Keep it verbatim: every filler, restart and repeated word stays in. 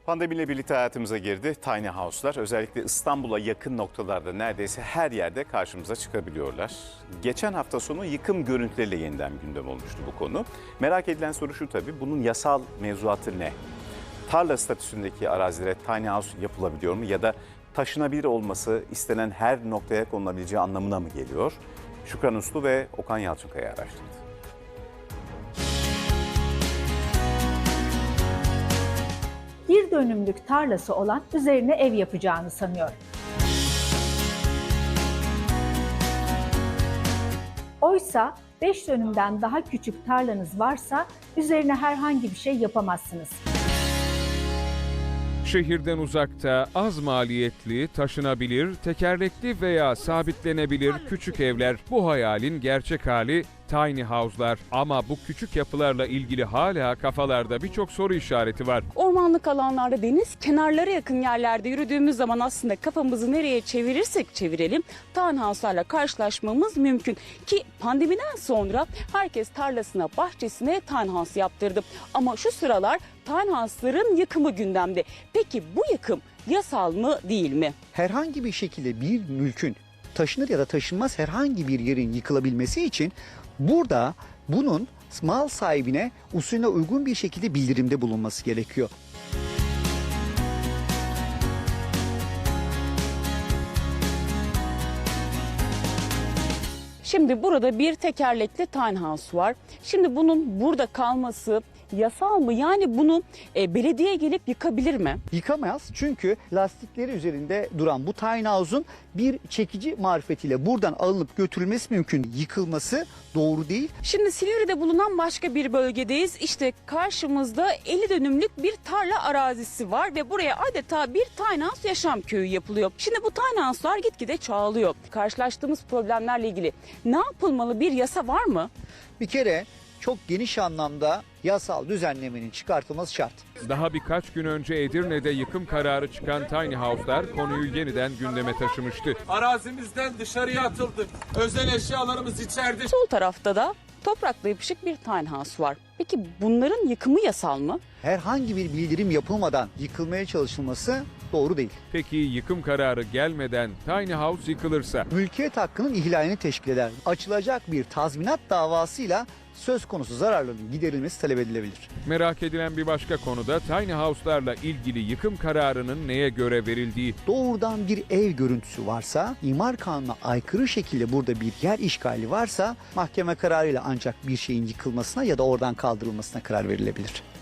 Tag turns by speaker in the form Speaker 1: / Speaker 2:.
Speaker 1: Pandemiyle birlikte hayatımıza girdi tiny house'lar. Özellikle İstanbul'a yakın noktalarda neredeyse her yerde karşımıza çıkabiliyorlar. Geçen hafta sonu yıkım görüntüleriyle yeniden gündem olmuştu bu konu. Merak edilen soru şu tabii, bunun yasal mevzuatı ne? Tarla statüsündeki arazilere tiny house yapılabiliyor mu? Ya da taşınabilir olması istenen her noktaya konulabileceği anlamına mı geliyor? Şükran Uslu ve Okan Yalçınkaya araştırdı.
Speaker 2: Bir dönümlük tarlası olan üzerine ev yapacağını sanıyor. Oysa beş dönümden daha küçük tarlanız varsa üzerine herhangi bir şey yapamazsınız.
Speaker 3: Şehirden uzakta, az maliyetli, taşınabilir, tekerlekli veya sabitlenebilir küçük evler bu hayalin gerçek hali tiny house'lar. Ama bu küçük yapılarla ilgili hala kafalarda birçok soru işareti var.
Speaker 4: Ormanlık alanlarda, deniz kenarlara yakın yerlerde yürüdüğümüz zaman aslında kafamızı nereye çevirirsek çevirelim tiny house'larla karşılaşmamız mümkün. Ki pandemiden sonra herkes tarlasına, bahçesine tiny house yaptırdı. Ama şu sıralar tiny house'ların yıkımı gündemde. Peki bu yıkım yasal mı değil mi?
Speaker 5: Herhangi bir şekilde bir mülkün taşınır ya da taşınmaz herhangi bir yerin yıkılabilmesi için burada bunun mal sahibine usulüne uygun bir şekilde bildirimde bulunması gerekiyor.
Speaker 4: Şimdi burada bir tekerlekli tiny house var. Şimdi bunun burada kalması yasal mı? Yani bunu e, belediye gelip yıkabilir mi?
Speaker 5: Yıkamaz, çünkü lastikleri üzerinde duran bu tiny house'un bir çekici marifetiyle buradan alınıp götürülmesi mümkün. Yıkılması doğru değil.
Speaker 4: Şimdi Silivri'de bulunan başka bir bölgedeyiz. İşte karşımızda elli dönümlük bir tarla arazisi var ve buraya adeta bir tiny house yaşam köyü yapılıyor. Şimdi bu tiny house'lar gitgide çoğalıyor. Karşılaştığımız problemlerle ilgili ne yapılmalı, bir yasa var mı?
Speaker 5: Bir kere çok geniş anlamda yasal düzenlemenin çıkartılması şart.
Speaker 3: Daha birkaç gün önce Edirne'de yıkım kararı çıkan tiny house'lar konuyu yeniden gündeme taşımıştı.
Speaker 6: Arazimizden dışarıya atıldık. Özel eşyalarımız içeride.
Speaker 4: Sol tarafta da toprakla yapışık bir tiny house var. Peki bunların yıkımı yasal mı?
Speaker 5: Herhangi bir bildirim yapılmadan yıkılmaya çalışılması doğru değil.
Speaker 3: Peki yıkım kararı gelmeden tiny house yıkılırsa?
Speaker 5: Mülkiyet hakkının ihlalini teşkil eder. Açılacak bir tazminat davasıyla söz konusu zararların giderilmesi talep edilebilir.
Speaker 3: Merak edilen bir başka konuda tiny house'larla ilgili yıkım kararının neye göre verildiği.
Speaker 5: Doğrudan bir ev görüntüsü varsa, imar kanununa aykırı şekilde burada bir yer işgali varsa mahkeme kararıyla ancak bir şeyin yıkılmasına ya da oradan kaldırılmasına karar verilebilir.